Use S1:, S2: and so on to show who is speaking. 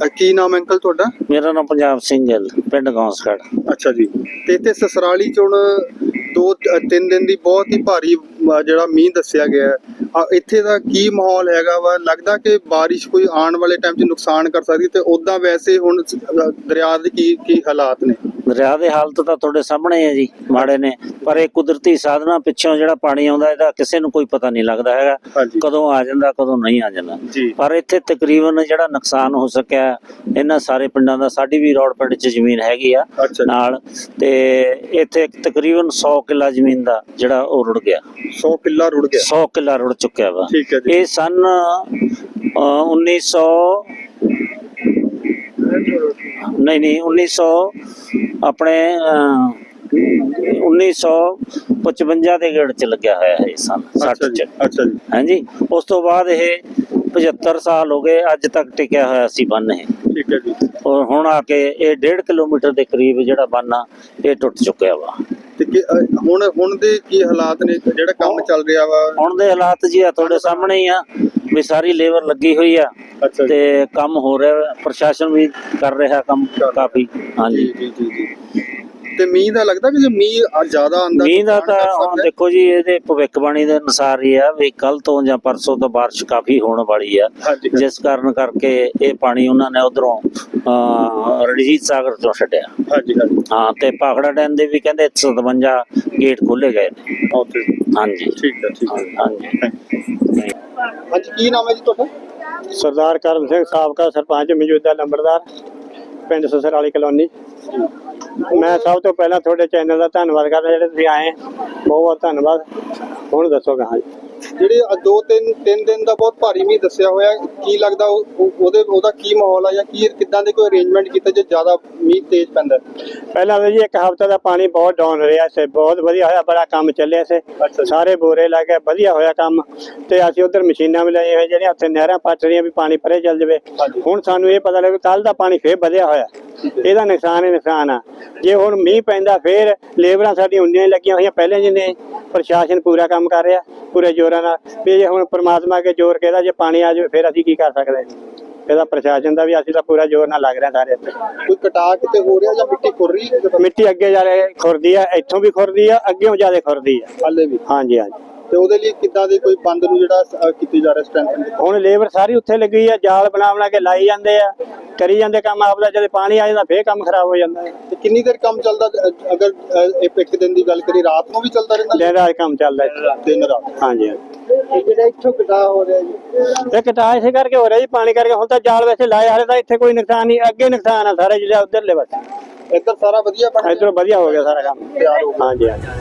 S1: ਕੀ ਨਾਮ ਅੰਕਲ ਤੁਹਾਡਾ?
S2: ਮੇਰਾ ਨਾਮ ਪੰਜਾਬ ਸਿੰਘ ਗਿੱਲ, ਪਿੰਡ ਗੌਂਸਗੜ।
S1: ਅੱਛਾ ਜੀ। ਤੇ ਇੱਥੇ ਸਸਰਾਲੀ ਚ ਹੁਣ 2-3 ਦਿਨ ਦੀ ਬਹੁਤ ਹੀ ਭਾਰੀ ਜਿਹੜਾ ਮੀਂਹ ਦੱਸਿਆ ਗਿਆ ਹੈ, ਇੱਥੇ ਦਾ ਕੀ ਮਾਹੌਲ ਹੈਗਾ ਵਾ? ਲੱਗਦਾ ਕਿ ਬਾਰਿਸ਼ ਕੋਈ ਆਉਣ ਵਾਲੇ ਟਾਈਮ 'ਚ ਨੁਕਸਾਨ ਕਰ ਸਕਦੀ, ਤੇ ਉੱਦਾਂ ਵੈਸੇ ਹੁਣ ਦਰਿਆ ਦੇ ਕੀ ਹਾਲਾਤ ਨੇ?
S2: ਦਰਿਆ ਦੇ ਹਾਲਤ ਤਾਂ ਤੁਹਾਡੇ ਸਾਹਮਣੇ ਹੈ ਜੀ, ਮਾੜੇ ਨੇ। ਪਰ ਇਹ ਕੁਦਰਤੀ ਸਾਧਨਾਂ ਪਿੱਛੋਂ ਜਿਹੜਾ ਪਾਣੀ ਆਉਂਦਾ, ਇਹਦਾ ਕਿਸੇ ਨੂੰ ਕੋਈ ਪਤਾ ਨਹੀਂ ਲੱਗਦਾ ਹੈਗਾ ਕਦੋਂ ਆ ਜਾਂਦਾ ਕਦੋਂ ਨਹੀਂ ਆ ਜਾਂਦਾ। ਪਰ ਇੱਥੇ ਤਕਰੀਬਨ ਜਿਹੜਾ ਨੁਕਸਾਨ ਹੋ ਸਕਿਆ ਇਹਨਾਂ ਸਾਰੇ ਪਿੰਡਾਂ ਦਾ, ਸਾਡੀ ਵੀ ਰੋਡ ਪਿੰਡ 'ਚ ਜ਼ਮੀਨ ਹੈਗੀ ਆ ਨਾਲ, ਤੇ ਇੱਥੇ ਤਕਰੀਬਨ 100 ਕਿੱਲਾ ਜ਼ਮੀਨ ਦਾ ਜਿਹੜਾ ਉਹ ਰੁੜ ਗਿਆ।
S1: 100 ਕਿੱਲਾ ਰੁੜ ਗਿਆ?
S2: 100 ਕਿੱਲਾ ਰੁੜ ਚੁੱਕਿਆ ਵਾ। ਇਹ ਸਨ 1955 ਦੇ ਗੇੜ ਚ ਲੱਗਿਆ ਹੋਇਆ ਹੈ ਸਨ 60 ਚ।
S1: ਅੱਛਾ ਜੀ।
S2: ਹਾਂਜੀ, ਉਸ ਤੋਂ ਬਾਅਦ ਇਹ 75 ਸਾਲ ਹੋ ਗਏ ਅੱਜ ਤੱਕ ਟਿਕਿਆ ਹੋਇਆ ਸੀ ਬੰਨ ਇਹ।
S1: ਠੀਕ ਹੈ ਜੀ।
S2: ਔਰ ਹੁਣ ਆ ਕੇ ਇਹ 1.5 ਕਿਲੋਮੀਟਰ ਦੇ ਕਰੀਬ ਜਿਹੜਾ ਬੰਨ ਆ ਇਹ ਟੁੱਟ ਚੁੱਕਿਆ ਵਾ।
S1: ਤੇ ਹੁਣ ਦੇ ਕੀ ਹਾਲਾਤ ਨੇ, ਜਿਹੜਾ ਕੰਮ ਚੱਲ ਰਿਹਾ ਵਾ? ਹੁਣ
S2: ਦੇ ਹਾਲਾਤ ਜੀ ਆ ਤੁਹਾਡੇ ਸਾਹਮਣੇ ਹੀ ਆ, ਵੀ ਸਾਰੀ ਲੇਬਰ ਲੱਗੀ ਹੋਈ ਆ ਤੇ ਕੰਮ ਹੋ ਰਿਹਾ, ਪ੍ਰਸ਼ਾਸਨ ਵੀ ਕਰ ਰਿਹਾ ਕੰਮ ਕਾਫੀ। ਹਾਂਜੀ
S1: ਜੀ ਜੀ ਜੀ। ਤੇ ਮੀਂਹ ਦਾ ਲੱਗਦਾ ਕਿ ਜੇ ਮੀਂਹ ਜ਼ਿਆਦਾ ਆਂਦਾ?
S2: ਮੀਂਹ ਦਾ ਤਾਂ ਹੁਣ ਦੇਖੋ ਜੀ, ਇਹਦੇ ਭਵਿੱਖਬਾਣੀ ਦੇ ਅਨੁਸਾਰ ਹੀ ਆ ਵੀ ਕੱਲ ਤੋਂ ਜਾਂ ਪਰਸੋਂ ਤੋਂ ਬਾਰਿਸ਼ ਕਾਫੀ ਹੋਣ ਵਾਲੀ ਆ, ਜਿਸ ਕਾਰਨ ਕਰਕੇ ਇਹ ਪਾਣੀ ਉਹਨਾਂ ਨੇ ਉਧਰੋਂ ਰਣਜੀਤ ਸਾਗਰ ਤੋਂ ਛੱਡਿਆ। ਹਾਂ, ਤੇ ਭਾਖੜਾ ਡੈਮ ਦੇ ਵੀ ਕਹਿੰਦੇ 57 ਗੇਟ ਖੋਲੇ ਗਏ ਨੇ। ਹਾਂਜੀ
S1: ਠੀਕ ਹੈ, ਠੀਕ ਹੈ।
S2: ਹਾਂਜੀ।
S1: ਹਾਂਜੀ, ਕੀ ਨਾਮ ਹੈ ਜੀ ਤੁਹਾਡਾ?
S3: ਸਰਦਾਰ ਕਰਮ ਸਿੰਘ, ਸਾਬਕਾ ਸਰਪੰਚ, ਮੌਜੂਦਾ ਨੰਬਰਦਾਰ, ਪਿੰਡ ਸਸਰਾਲੀ ਕਲੋਨੀ। ਮੈਂ ਸਭ ਤੋਂ ਪਹਿਲਾਂ ਤੁਹਾਡੇ ਚੈਨਲ ਦਾ ਧੰਨਵਾਦ ਕਰਦਾ, ਜਿਹੜੇ ਤੁਸੀਂ ਆਏ, ਬਹੁਤ ਬਹੁਤ ਧੰਨਵਾਦ। ਹੁਣ ਦੱਸੋ ਕਹਾਂ ਜੀ,
S1: ਜਿਹੜੇ 2-3 ਦਿਨ ਦਾ ਬਹੁਤ ਭਾਰੀ ਮੀਂਹ ਦੱਸਿਆ ਹੋਇਆ, ਕੀ ਲੱਗਦਾ ਉਹਦਾ ਕੀ ਮਾਹੌਲ ਆ, ਜਾਂ ਕਿੱਦਾਂ ਦੇ ਕੋਈ ਅਰੇਂਜਮੈਂਟ ਕੀਤਾ ਜੇ ਜ਼ਿਆਦਾ ਮੀਂਹ ਤੇਜ਼ ਪੈਂਦਾ?
S3: ਪਹਿਲਾਂ ਤਾਂ ਜੀ 1 ਹਫ਼ਤਾ ਦਾ ਪਾਣੀ ਬਹੁਤ ਡਾਊਨ ਰਿਹਾ ਸੀ, ਬਹੁਤ ਵਧੀਆ ਹੋਇਆ, ਬੜਾ ਕੰਮ ਚੱਲਿਆ ਸੀ, ਸਾਰੇ ਬੋਰੇ ਲਾ ਕੇ ਵਧੀਆ ਹੋਇਆ ਕੰਮ। ਤੇ ਅਸੀਂ ਉਧਰ ਮਸ਼ੀਨਾਂ ਵੀ ਲਾਈਆਂ ਹੋਈਆਂ ਜਿਹੜੀਆਂ ਉੱਥੇ ਨਹਿਰਾਂ ਪੱਟ ਰਹੀਆਂ ਵੀ ਪਾਣੀ ਪਰੇ ਚੱਲ ਜਾਵੇ। ਹੁਣ ਸਾਨੂੰ ਇਹ ਪਤਾ ਲੱਗਾ ਕੱਲ ਦਾ ਪਾਣੀ ਫੇਰ ਵਧਿਆ ਹੋਇਆ, ਇਹਦਾ ਨੁਕਸਾਨ ਹੀ ਨੁਕਸਾਨ ਆ। ਜੇ ਹੁਣ ਮੀਂਹ ਪੈਂਦਾ ਫੇਰ ਲੇਬਰਾਂ ਸਾਡੀਆਂ ਉਨੀਆਂ ਹੀ ਲੱਗੀਆਂ ਹੋਈਆਂ ਪਹਿਲਾਂ ਜਿੰਨੇ, ਪ੍ਰਸ਼ਾਸਨ ਪੂਰਾ ਕੰਮ ਕਰ ਰਿਹਾ ਪੂਰੇ ਜ਼ੋਰਾਂ ਨਾਲ। ਵੀ ਜੇ ਹੁਣ ਪ੍ਰਮਾਤਮਾ ਅੱਗੇ ਜ਼ੋਰ ਕਿਹਦਾ, ਜੇ ਪਾਣੀ ਆ ਜਾਵੇ ਫਿਰ ਅਸੀਂ ਕੀ ਕਰ ਸਕਦੇ? ਇਹਦਾ ਪ੍ਰਸ਼ਾਸਨ ਦਾ ਵੀ ਅਸੀਂ ਤਾਂ ਪੂਰਾ ਜ਼ੋਰ ਨਾਲ ਲੱਗ ਰਿਹਾ ਸਾਰੇ ਇੱਥੇ।
S1: ਕੋਈ ਕਟਾ ਕਿਤੇ ਹੋ ਰਿਹਾ ਜਾਂ ਮਿੱਟੀ ਖੁਰ ਰਹੀ ਹੈ?
S3: ਮਿੱਟੀ ਅੱਗੇ ਜਾ ਰਹੀ ਖੁਰਦੀ ਆ, ਇੱਥੋਂ ਵੀ ਖੁਰਦੀ ਆ, ਅੱਗੇੋਂ ਜ਼ਿਆਦਾ ਖੁਰਦੀ ਆ
S1: ਹਾਲੇ ਵੀ।
S3: ਹਾਂਜੀ ਹਾਂਜੀ।
S1: ਤੇ ਉਹਦੇ ਲਈ ਕਿੱਦਾਂ ਦੇ ਕੋਈ ਬੰਦ ਨੂੰ ਜਿਹੜਾ ਕੀਤੀ ਜਾ ਰਿਹਾ ਸਟੈਂਥ?
S3: ਹੁਣ ਲੇਬਰ ਸਾਰੀ ਉੱਥੇ ਲੱਗੀ ਆ, ਜਾਲ ਬਣਾ ਕੇ ਲਾਈ ਜਾਂਦੇ ਆ, ਕਰੀ ਜਾਂਦੇ ਕੰਮ ਆਪਦਾ। ਜਦੋਂ ਪਾਣੀ ਆ ਜਾਂਦਾ ਫੇਰ ਕੰਮ ਖਰਾਬ ਹੋ ਜਾਂਦਾ ਹੈ।
S1: ਤੇ ਕਿੰਨੀ ਦੇਰ ਕੰਮ ਚੱਲਦਾ? ਅਗਰ ਇੱਕ ਦਿਨ ਦੀ ਗੱਲ ਕਰੀ, ਰਾਤ ਨੂੰ ਵੀ ਚੱਲਦਾ ਰਹਿੰਦਾ?
S3: ਦਿਨ ਰਾਤ ਕੰਮ ਚੱਲਦਾ,
S1: ਦਿਨ ਰਾਤ।
S3: ਹਾਂਜੀ
S1: ਹਾਂਜੀ। ਜਿਹੜਾ ਇੱਥੋਂ ਕਟਾ ਹੋ ਰਿਹਾ ਜੀ,
S3: ਇਹ ਕਟਾ ਇਸੇ ਕਰਕੇ ਹੋ ਰਿਹਾ ਜੀ, ਪਾਣੀ ਕਰਕੇ। ਹੁਣ ਤਾਂ ਜਾਲ ਵੈਸੇ ਲਾਏ ਹਾਲੇ ਤਾਂ ਇੱਥੇ ਕੋਈ ਨੁਕਸਾਨ ਨਹੀਂ, ਅੱਗੇ ਨੁਕਸਾਨ ਆ ਸਾਰਾ ਜਿਹੜਾ ਉਧਰਲੇ ਪਾਸੇ।
S1: ਇੱਧਰ ਸਾਰਾ ਵਧੀਆ ਬਣ ਗਿਆ?
S3: ਇੱਧਰ ਵਧੀਆ ਹੋ ਗਿਆ ਸਾਰਾ ਕੰਮ।
S1: ਤਿਆਰ ਹੋ ਗਿਆ।
S3: ਹਾਂਜੀ ਹਾਂਜੀ।